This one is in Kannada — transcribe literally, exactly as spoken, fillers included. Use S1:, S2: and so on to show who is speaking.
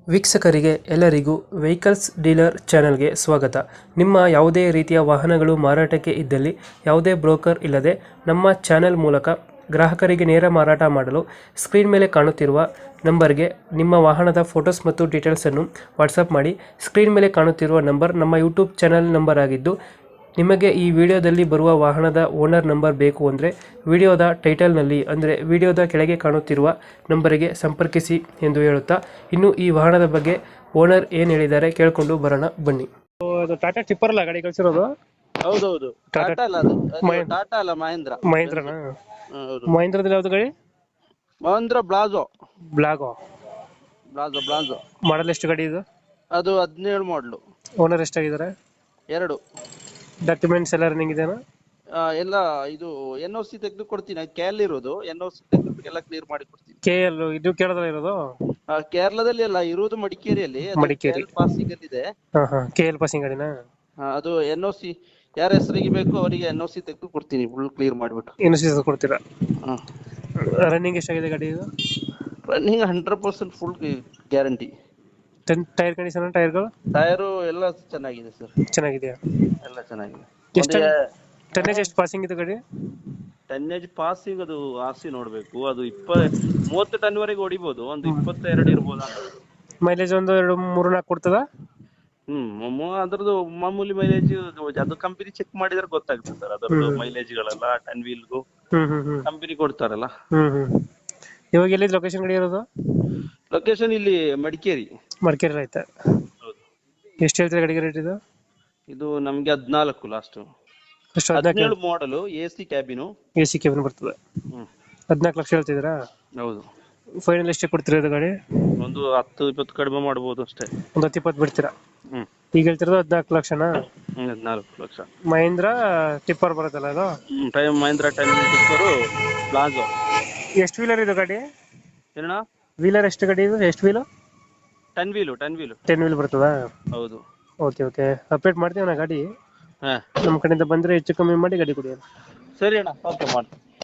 S1: ವೀಕ್ಷಕರಿಗೆ ಎಲ್ಲರಿಗೂ ವೆಹಿಕಲ್ಸ್ ಡೀಲರ್ ಚಾನೆಲ್ಗೆ ಸ್ವಾಗತ. ನಿಮ್ಮ ಯಾವುದೇ ರೀತಿಯ ವಾಹನಗಳು ಮಾರಾಟಕ್ಕೆ ಇದ್ದಲ್ಲಿ ಯಾವುದೇ ಬ್ರೋಕರ್ ಇಲ್ಲದೆ ನಮ್ಮ ಚಾನೆಲ್ ಮೂಲಕ ಗ್ರಾಹಕರಿಗೆ ನೇರ ಮಾರಾಟ ಮಾಡಲು ಸ್ಕ್ರೀನ್ ಮೇಲೆ ಕಾಣುತ್ತಿರುವ ನಂಬರ್ಗೆ ನಿಮ್ಮ ವಾಹನದ ಫೋಟೋಸ್ ಮತ್ತು ಡೀಟೇಲ್ಸನ್ನು ವಾಟ್ಸಪ್ ಮಾಡಿ. ಸ್ಕ್ರೀನ್ ಮೇಲೆ ಕಾಣುತ್ತಿರುವ ನಂಬರ್ ನಮ್ಮ ಯೂಟ್ಯೂಬ್ ಚಾನೆಲ್ ನಂಬರ್ ಆಗಿದ್ದು, ನಿಮಗೆ ಈ ವಿಡಿಯೋದಲ್ಲಿ ಬರುವ ವಾಹನದ ಓನರ್ ನಂಬರ್ ಬೇಕು ಅಂದರೆ ವಿಡಿಯೋದ ಟೈಟಲ್ನಲ್ಲಿ ಅಂದರೆ ವಿಡಿಯೋದ ಕೆಳಗೆ ಕಾಣುತ್ತಿರುವ ನಂಬರಿಗೆ ಸಂಪರ್ಕಿಸಿ ಎಂದು ಹೇಳುತ್ತಾ, ಇನ್ನು ಈ ವಾಹನದ ಬಗ್ಗೆ ಓನರ್ ಏನು ಹೇಳಿದ್ದಾರೆ ಕೇಳಿಕೊಂಡು ಬರೋಣ ಬನ್ನಿ. ಅದು ಟಾಟಾ ಟಿಪ್ಪರ್ ಅಲ್ಲ ಗಾಡಿ ಕಳಿಸಿರೋದು?
S2: ಹೌದೌದು, ಟಾಟಾ ಅಲ್ಲ ಅದು, ಅದು ಟಾಟಾ ಅಲ್ಲ, ಮಹೇಂದ್ರ.
S1: ಮಹೇಂದ್ರನಾ?
S2: ಹೌದು.
S1: ಮಹೇಂದ್ರದಲ್ಲಿ ಯಾವ್ದು ಗಾಡಿ?
S2: ಮಹೇಂದ್ರ ಬ್ಲಾಜೋ.
S1: ಬ್ಲಾಗೋ
S2: ಬ್ಲಾಜೋ ಬ್ಲಾಜೋ
S1: ಮಾಡಲ್ ಎಷ್ಟು ಗಾಡಿ ಇದು?
S2: ಅದು ಹದಿನೇಳು ಮಾಡ್ಲು.
S1: ಓನರ್ ಎಷ್ಟಾಗಿದ್ದಾರೆ?
S2: ಎರಡು.
S1: ಡಾಕ್ಯುಮೆಂಟ್ಸ್ ಎಲ್ಲ ರನ್ನಿಂಗ್ ಇದೆನಾ?
S2: ಆ, ಎಲ್ಲ ಇದು ಎನ್ ಓ ಸಿ ತೆಗೆದು ಕೊಡ್ತೀನಿ. ಕೇರಳ ಇರೋದು, ಎನ್ ಓ ಸಿ ತೆಗೆದು ಎಲ್ಲ ಕ್ಲಿಯರ್ ಮಾಡಿ ಕೊಡ್ತೀನಿ.
S1: ಕೆ ಎಲ್ ಇದು ಕೇರಳದಲ್ಲಿ ಇರೋದು?
S2: ಆ, ಕೇರಳದಲ್ಲಿ ಅಲ್ಲ, ಇರುವುದು ಮಡಿಕೇರಿಯಲ್ಲಿ.
S1: ಮಡಿಕೇರಿ
S2: ಪಾಸಿಂಗ್ ಅಲ್ಲಿ ಇದೆ.
S1: ಹಾ ಹಾ ಕೆ ಎಲ್ ಪಾಸಿಂಗ್ ಗಾಡಿನಾ?
S2: ಆ, ಅದು ಎನ್ ಓ ಸಿ ಯಾರ ಹೆಸರಿಗೆ ಬೇಕು ಅವರಿಗೆ ಎನ್ ಓ ಸಿ ತೆಗೆದು ಕೊಡ್ತೀನಿ, ಫುಲ್ ಕ್ಲಿಯರ್ ಮಾಡಿಬಿಟ್ಟು.
S1: ಏನು ಸೀಸ ಕೊಡ್ತೀರಾ?
S2: ಹ್ಮ್.
S1: ರನ್ನಿಂಗ್ ಎಷ್ಟಾಗಿದೆ ಗಾಡಿ ಇದು?
S2: Running hundred percent full guarantee.
S1: Ten tyre condition, ಟೈರ್ಗಳು
S2: ಟೈರು ಎಲ್ಲ ಚೆನ್ನಾಗಿದೆ ಸರ್.
S1: ಚೆನ್ನಾಗಿದೆಯಾ?
S2: ಎಲ್ಲ ಚೆನ್ನಾಗಿದೆ.
S1: ಎಷ್ಟು ಟನ್ನೇಜ್ ಎಷ್ಟು ಪಾಸಿಂಗ್ ಇದೆ ಗಾಡಿ?
S2: ಟನ್ನೇಜ್ ಪಾಸಿಂಗ್ ಅದು ಆರ್ಸಿ ನೋಡ್ಬೇಕು. ಅದು ಇಪ್ಪ ಮೂವತ್ತು ಟನ್ ವರೆಗೆ ಹೊಡಿಬಹುದು, ಒಂದು ಇಪ್ಪತ್ತೆರಡು ಇರ್ಬೋದು ಅಂತ.
S1: ಮೈಲೇಜ್ ಒಂದು ಎರಡು ಮೂರು ನಾಲ್ಕು ಕೊಡ್ತದ?
S2: ಹ್ಮ್ ಮೊ- ಅದ್ರದ್ದು ಮಾಮೂಲಿ ಮೈಲೇಜ್ ಅದು ಕಂಪನಿ ಚೆಕ್ ಮಾಡಿದ್ರೆ ಗೊತ್ತಾಗ್ತದೆ ಸರ್. ಅದರದ್ದು ಮೈಲೇಜ್ ಗಳೆಲ್ಲ ಟನ್ ವೀಲ್ಗೂ
S1: ಹ್ಮ್ ಹ್ಮ್ ಹ್ಮ್
S2: ಕಂಪನಿ ಕೊಡ್ತಾರಲ್ಲ.
S1: ಹ್ಮ್ ಹ್ಮ್ ಇವಾಗ ಎಲ್ಲಿದ್ ಲೊಕೇಶನ್ ಗಾಡಿ ಇರೋದು?
S2: ಲೊಕೇಶನ್ ಇಲ್ಲಿ ಮಡಿಕೇರಿ.
S1: ಮಡಿಕೇರಿ ಆಯ್ತಾ?
S2: ಹೌದು.
S1: ಎಷ್ಟು ಹೇಳ್ತೀರಾ ಗಾಡಿಗೆ ರೇಟ್ ಇದು?
S2: ಇದು ನಮ್ಗೆ ಹದ್ನಾಲ್ಕು ಲಾಸ್ಟ್.
S1: ಎಷ್ಟು?
S2: ಹದಿನೇಳು ಮಾಡಲು, A C cabin.
S1: A C cabin ಬರ್ತದೆ.
S2: ಹ್ಮ್
S1: ಹದಿನಾಲ್ಕು ಲಕ್ಷ ಹೇಳ್ತಿದ್ದೀರಾ?
S2: ಹೌದು.
S1: ಫೈನಲ್ ಎಷ್ಟು ಕೊಡ್ತೀರಾ ಇದು ಗಾಡಿ?
S2: ಒಂದು ಹತ್ತು ಇಪ್ಪತ್ತು ಕಡಿಮೆ ಮಾಡ್ಬೋದು ಅಷ್ಟೇ.
S1: ಒಂದು ಹತ್ತು ಇಪ್ಪತ್ತು ಬಿಡ್ತೀರಾ?
S2: ಹ್ಮ್
S1: ಈಗ ಹೇಳ್ತಿರೋದು ಹದಿನಾಲ್ಕು ಲಕ್ಷನಾ?
S2: ಹ್ಮ್ ಹದಿನಾಲ್ಕು ಲಕ್ಷ.
S1: ಮಹೇಂದ್ರ ಟಿಪ್ಪರ್ ಬರುತ್ತಲ್ಲ ಅದು?
S2: ಹ್ಮ್ ಟೈಮ್ ಮಹೇಂದ್ರ ಟೈಮ್ ಟಿಪ್ಪರು ಪ್ಲಾಜೋ.
S1: ಎಷ್ಟು ವೀಲರ್ ಇದು ಗಾಡಿ?
S2: ಏನಣ್ಣ?
S1: ವೀಲರ್ ಎಷ್ಟು ಗಾಡಿ ಇದು? ಎಷ್ಟು wheel?
S2: Ten wheel ten wheel
S1: ten wheel ಬರ್ತದಾ?
S2: ಹೌದು.
S1: ಓಕೆ ಓಕೆ ಅಪ್ಡೇಟ್ ಮಾಡ್ತೀವಿ ನಾ ಗಾಡಿ.
S2: ಹಾ
S1: ನಮ್ಮ ಕಡೆಯಿಂದ ಬಂದರೆ ಹೆಚ್ಚು ಕಮ್ಮಿ ಮಾಡಿ ಗಾಡಿ ಕೊಡಿ.
S2: ಸರಿ ಅಣ್ಣ, ಓಕೆ ಮಾಡಿ.